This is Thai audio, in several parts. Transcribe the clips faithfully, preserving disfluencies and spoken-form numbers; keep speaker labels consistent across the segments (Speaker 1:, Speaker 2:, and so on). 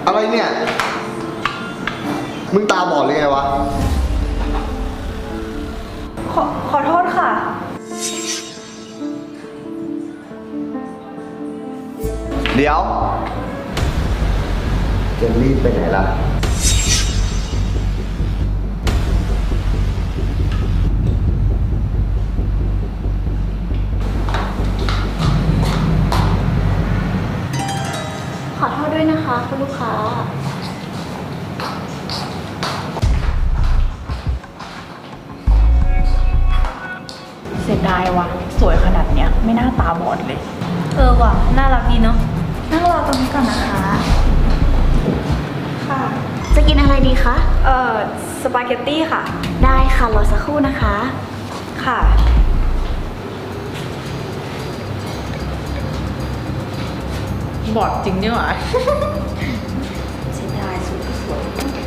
Speaker 1: อะไรเนี่ยมึงตาบอดเลยไงวะ
Speaker 2: ขอขอโทษค่ะ
Speaker 1: เดี๋ยวจะรีบไปไหนล่ะ
Speaker 3: ขอโทษด้วยนะคะคุณลูกค้า
Speaker 2: เสียดายว่ะสวยขนาดเนี้ยไม่น่าตาบอดเลยเออว่ะน่ารักดีเนาะนั่งรอตรงนี้ก่อนนะคะค่ะ
Speaker 3: จะกินอะไรดีคะ
Speaker 2: เอ่อสปาเกตตี้ค่ะ
Speaker 3: ได้ค่ะรอสักครู่นะคะ
Speaker 2: ค่ะบอดจริงเนี่ยหรอเสียดายสวยสวย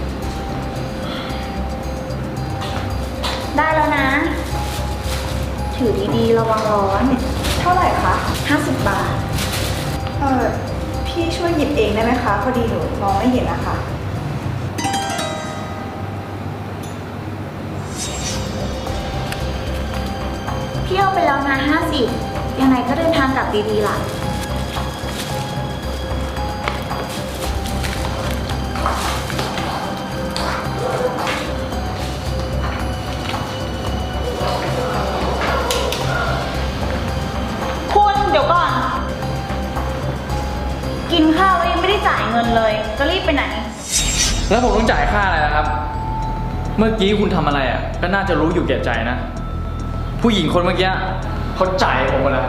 Speaker 3: ได้แล้วนะถือดีๆระวังร้อน
Speaker 2: เท่าไหร่คะ
Speaker 3: ห้าสิบบาท
Speaker 2: เออพี่ช่วยหยิบเองได้ไหมคะพอดีหนูมองไม่เห็นนะคะ
Speaker 3: พี่เอาไปแล้วนะห้าสิบยังไงก็เดินทางกลับดีๆล่ะคุณเดี๋ยวก่อนกินข้าวแล้วยังไม่ได้จ่ายเงินเลยจะรีบไปไหน
Speaker 4: แล้วผมต้องจ่ายค่าอะไรนะครับเมื่อกี้คุณทำอะไรอ่ะก็น่าจะรู้อยู่แก่ใจนะผู้หญิงคนเมื่อกี้เขาจ่ายผมหมดแล้ว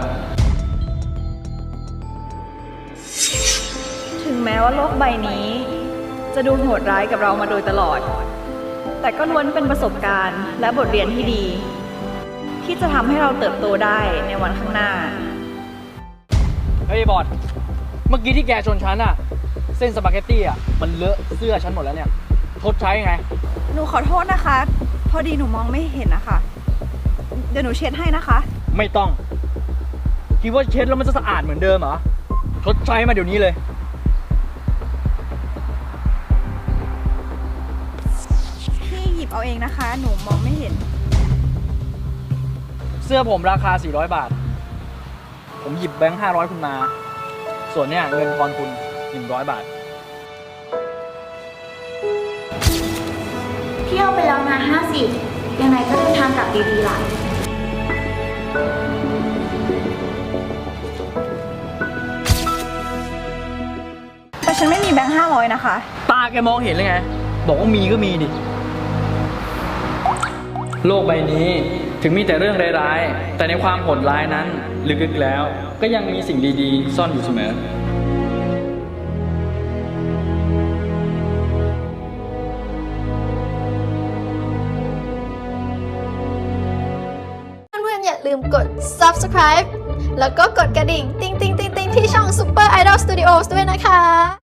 Speaker 2: ถึงแม้ว่าโลกใบนี้จะดูโหดร้ายกับเรามาโดยตลอดแต่ก็ล้วนเป็นประสบการณ์และบทเรียนที่ดีที่จะทำให้เราเติบโตได้ในวันข้างหน้า
Speaker 4: เฮ้ยบอดเมื่อกี้ที่แกชนฉันอ่ะเส้นสปาเกตตี้อ่ะมันเลอะเสื้อฉันหมดแล้วเนี่ยทดใช้ไง
Speaker 2: หนูขอโทษนะคะพอดีหนูมองไม่เห็นนะคะเดี๋ยวหนูเช็ดให้นะคะ
Speaker 4: ไม่ต้องคิดว่าเช็ดแล้วมันจะสะอาดเหมือนเดิมเหรอทดใช้มาเดี๋ยวนี้เลย
Speaker 2: พี่หยิบเอาเองนะคะหนูมองไม่เห็น
Speaker 4: เสื้อผมราคาสี่ร้อยบาทผมหยิบแบงค์ห้าร้อยคุณมาส่วนเนี้ยเงินทอนคุณหนึ่งร้อยบาท
Speaker 3: พี่เอาไปแล้วนะห้าสิบยังไงก็เดินทางกลับดีๆล่ะ
Speaker 2: แต่ฉันไม่มีแบงค์ห้าร้อยนะคะ
Speaker 4: ตาแกมองเห็นเลยไงบอกว่ามีก็มีดิโลกใบนี้ถึงมีแต่เรื่องร้ายๆแต่ในความโหดร้ายนั้นลึกๆแล้วก็ยังมีสิ่งดีๆซ่อนอยู่เสมอ
Speaker 5: อย่าลืมกด ซับสไครบ์ แล้วก็กดกระดิ่ง ติ๊งติ๊งติ๊งติ๊งที่ช่อง Super Idol Studios ด้วยนะคะ